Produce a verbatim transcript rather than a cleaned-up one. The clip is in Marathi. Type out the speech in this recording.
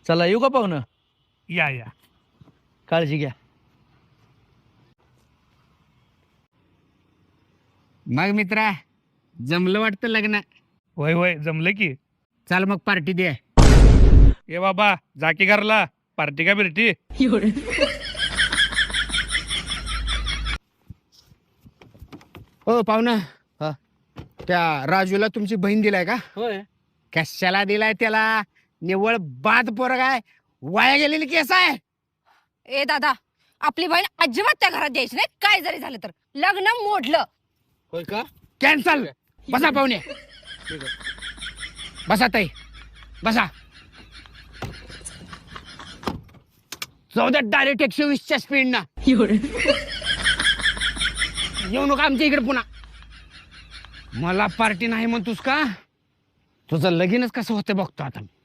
चला येऊ का पाहुणं? या या. काळजी घ्या. मग मित्रा जमलं वाटतं लग्न. होय होय जमलं की. चाल मग पार्टी दे. ए बाबा जा की घरला, पार्टी का बिर्टी. हो पाहुणा, हा. त्या राजूला तुमची बहीण दिलाय का? होय. कशाला दिलाय त्याला? निव्वळ बाद पोरग आहे, वाया गेलेली केस आहे. ए दादा, आपली बहीण अजिबात त्या घरात द्यायची नाही. काय जरी झालं तर लग्न मोडलं. होय का? कॅन्सल. बसा पाहुणे, बसा ताई, बसा. चौदा डायरेक्ट एकशे वीसच्या स्पीड ना. येऊ नका आमच्या इकडे पुन्हा. मला पार्टी नाही म्हणतोस का? तुझं लगीनच कसं होतं बघतो आता.